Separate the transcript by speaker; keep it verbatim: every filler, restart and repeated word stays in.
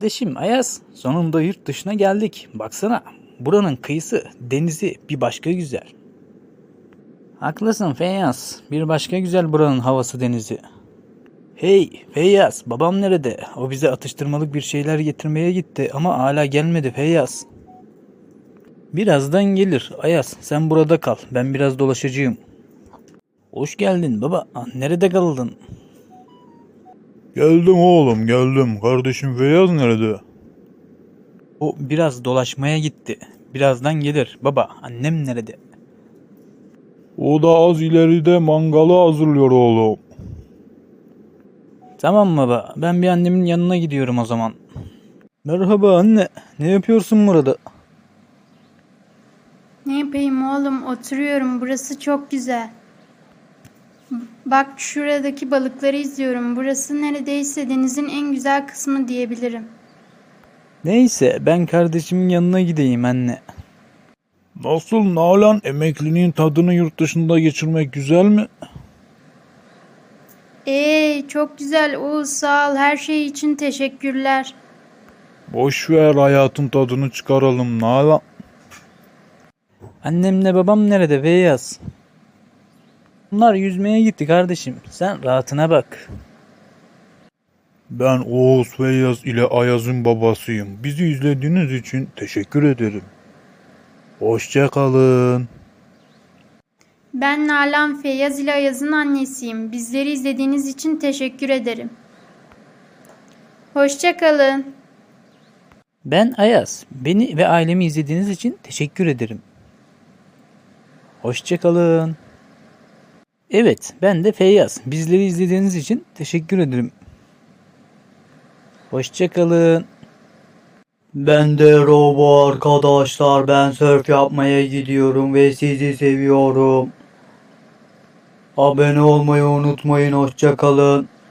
Speaker 1: Kardeşim Ayaz, sonunda yurt dışına geldik. Baksana, buranın kıyısı, denizi bir başka güzel. Haklısın Feyyaz, bir başka güzel buranın havası denizi. Hey Feyyaz, babam nerede? O bize atıştırmalık bir şeyler getirmeye gitti ama hala gelmedi Feyyaz. Birazdan gelir. Ayaz, sen burada kal. Ben biraz dolaşacağım. Hoş geldin baba. Nerede kaldın?
Speaker 2: Geldim oğlum geldim. Kardeşim Feyyaz nerede?
Speaker 1: O biraz dolaşmaya gitti. Birazdan gelir. Baba, annem nerede?
Speaker 2: O da az ileride mangalı hazırlıyor oğlum.
Speaker 1: Tamam baba. Ben bir annemin yanına gidiyorum o zaman. Merhaba anne. Ne yapıyorsun burada?
Speaker 3: Ne yapayım oğlum? Oturuyorum. Burası çok güzel. Bak şuradaki balıkları izliyorum. Burası neredeyse denizin en güzel kısmı diyebilirim.
Speaker 1: Neyse ben kardeşimin yanına gideyim anne.
Speaker 2: Nasıl Nalan, emekliliğin tadını yurt dışında geçirmek güzel mi?
Speaker 3: Ee, çok güzel Oğuz, sağ ol. Her şey için teşekkürler.
Speaker 2: Boş ver, hayatın tadını çıkaralım Nalan.
Speaker 1: Annemle babam nerede Feyyaz? Bunlar yüzmeye gitti kardeşim. Sen rahatına bak.
Speaker 2: Ben Oğuz Feyyaz ile Ayaz'ın babasıyım. Bizi izlediğiniz için teşekkür ederim. Hoşça kalın.
Speaker 3: Ben Nalan, Feyyaz ile Ayaz'ın annesiyim. Bizleri izlediğiniz için teşekkür ederim. Hoşça kalın.
Speaker 1: Ben Ayaz. Beni ve ailemi izlediğiniz için teşekkür ederim. Hoşçakalın. Evet, ben de Feyyaz. Bizleri izlediğiniz için teşekkür ederim. Hoşçakalın.
Speaker 4: Ben de Robo arkadaşlar, ben surf yapmaya gidiyorum ve sizi seviyorum. Abone olmayı unutmayın, hoşça kalın.